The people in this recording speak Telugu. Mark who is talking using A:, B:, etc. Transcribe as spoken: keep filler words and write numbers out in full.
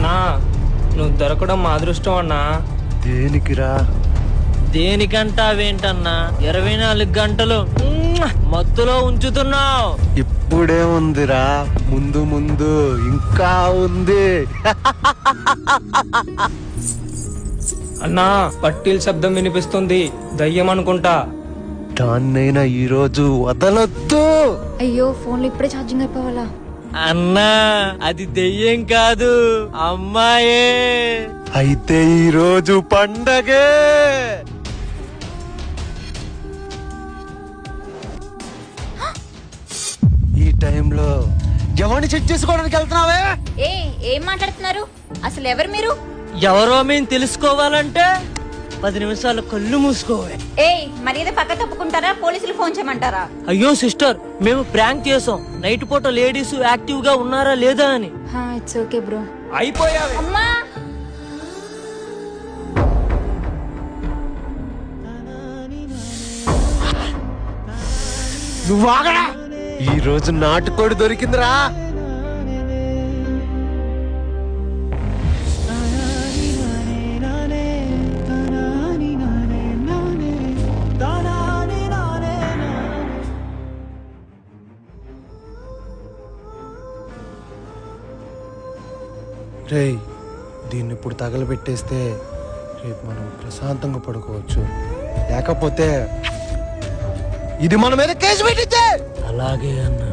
A: అన్నా నువ్వు దొరకడం మా అదృష్టం అన్నా.
B: దేనికిరా?
A: దేనికంటావేంటన్నా, ఇరవై నాలుగు గంటలు మత్తులో ఉంచుతున్నావు.
B: ఇప్పుడే ఉందిరా, ముందు ముందు ఇంకా ఉంది.
A: అన్నా పట్టీల శబ్దం వినిపిస్తుంది, దయ్యం అనుకుంటా.
B: దాన్నైనా ఈ రోజు వదలొద్దు.
C: అయ్యో ఫోన్లో ఇప్పుడే ఛార్జింగ్ అయిపోవాలా?
A: అన్నా అది దెయ్యం కాదు, అమ్మాయే.
B: అయితే ఈ రోజు పండగే. ఈ టైంలో ఎవరిని చెక్ చేసుకోవడానికి వెళ్తున్నావే?
C: ఏ ఏం మాట్లాడుతున్నారు అసలు? ఎవరు మీరు?
A: ఎవరో మేము తెలుసుకోవాలంటే పది నిమిషాలు కళ్ళు మూసుకోవే.
C: ఏ మర్యాద పక్క తప్పుకుంటారా? పోలీసులు ఫోన్ చేయమంటారా?
A: అయ్యో సిస్టర్, మేము ప్రాంక్ చేసాం. నైట్ పూట లేడీస్ యాక్టివ్ గా ఉన్నారా లేదా అని.
C: It's okay bro.
A: అయిపోయావే.
C: అమ్మా
B: నువ్వు ఆగరా. ఈ రోజు నాటుకోడి దొరికిందిరా. రేయ్, దీన్ని ఇప్పుడు తగలబెట్టేస్తే రేపు మనం ప్రశాంతంగా పడుకోవచ్చు. లేకపోతే ఇది మన మీద కేసు పెట్టించే.
A: అలాగే అన్నా.